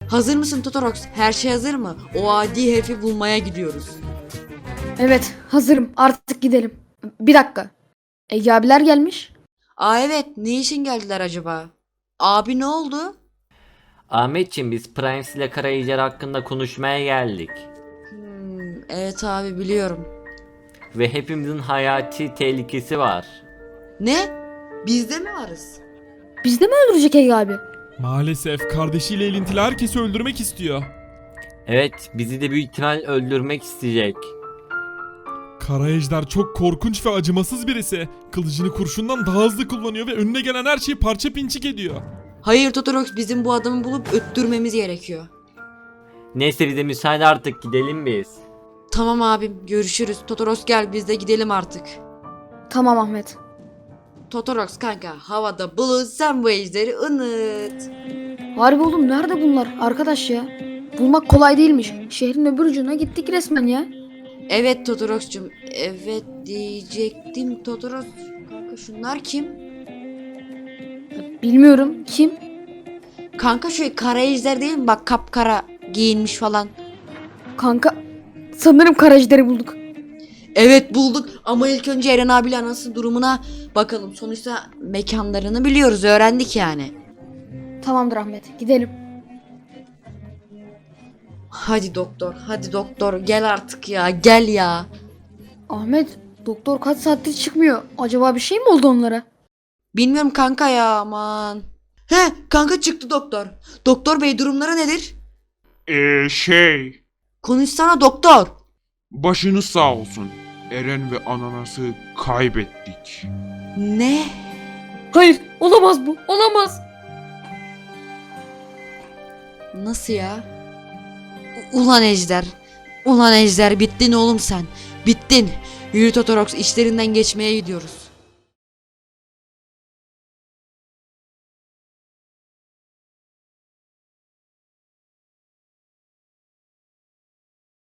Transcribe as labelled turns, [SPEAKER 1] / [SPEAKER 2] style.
[SPEAKER 1] Hazır mısın Totorox? Her şey hazır mı? O adi herifi bulmaya gidiyoruz.
[SPEAKER 2] Evet, hazırım. Artık gidelim. Bir dakika. Ege abiler gelmiş.
[SPEAKER 1] Aa evet, ne için geldiler acaba? Abi ne oldu?
[SPEAKER 3] Ahmetciğim biz Primes ile Karayicer hakkında konuşmaya geldik.
[SPEAKER 1] Evet abi biliyorum.
[SPEAKER 3] Ve hepimizin hayati tehlikesi var.
[SPEAKER 1] Ne? Biz de mi varız?
[SPEAKER 2] Biz de mi öldürecek Ege abi?
[SPEAKER 4] Maalesef kardeşiyle ilintili herkesi öldürmek istiyor.
[SPEAKER 3] Evet, bizi de büyük ihtimal öldürmek isteyecek.
[SPEAKER 4] Kara Ejder çok korkunç ve acımasız birisi. Kılıcını kurşundan daha hızlı kullanıyor ve önüne gelen her şeyi parça pinçik ediyor.
[SPEAKER 1] Hayır Totorox, bizim bu adamı bulup öttürmemiz gerekiyor.
[SPEAKER 3] Neyse bize müsaade, artık gidelim biz.
[SPEAKER 1] Tamam abim, görüşürüz. Totorox gel, biz de gidelim artık.
[SPEAKER 2] Tamam Ahmet.
[SPEAKER 1] Totorox kanka, havada bulut, sen bu ejderi ınıt.
[SPEAKER 2] Harbi oğlum, nerede bunlar arkadaş ya? Bulmak kolay değilmiş. Şehrin öbür ucuna gittik resmen ya.
[SPEAKER 1] Evet Totorox'cum, evet diyecektim Totorox. Kanka şunlar kim?
[SPEAKER 2] Bilmiyorum kim?
[SPEAKER 1] Kanka şu kara ejder değil mi? Bak kapkara giyinmiş falan.
[SPEAKER 2] Kanka sanırım Karacider'i bulduk.
[SPEAKER 1] Evet bulduk ama ilk önce Eren abiyle anasının durumuna bakalım. Sonuçta mekanlarını biliyoruz, öğrendik yani.
[SPEAKER 2] Tamamdır Ahmet, gidelim.
[SPEAKER 1] Hadi doktor, hadi doktor gel artık ya, gel ya.
[SPEAKER 2] Ahmet, doktor kaç saattir çıkmıyor. Acaba bir şey mi oldu onlara?
[SPEAKER 1] Bilmiyorum kanka ya, aman. He kanka, çıktı doktor. Doktor bey, durumları nedir? Konuşsana doktor.
[SPEAKER 5] Başınız sağ olsun. Eren ve ananası kaybettik.
[SPEAKER 1] Ne?
[SPEAKER 2] Hayır, olamaz bu, olamaz.
[SPEAKER 1] Nasıl ya? Ulan ejder. Ulan ejder, bittin oğlum sen. Bittin. Yürü Totorox, işlerinden geçmeye gidiyoruz.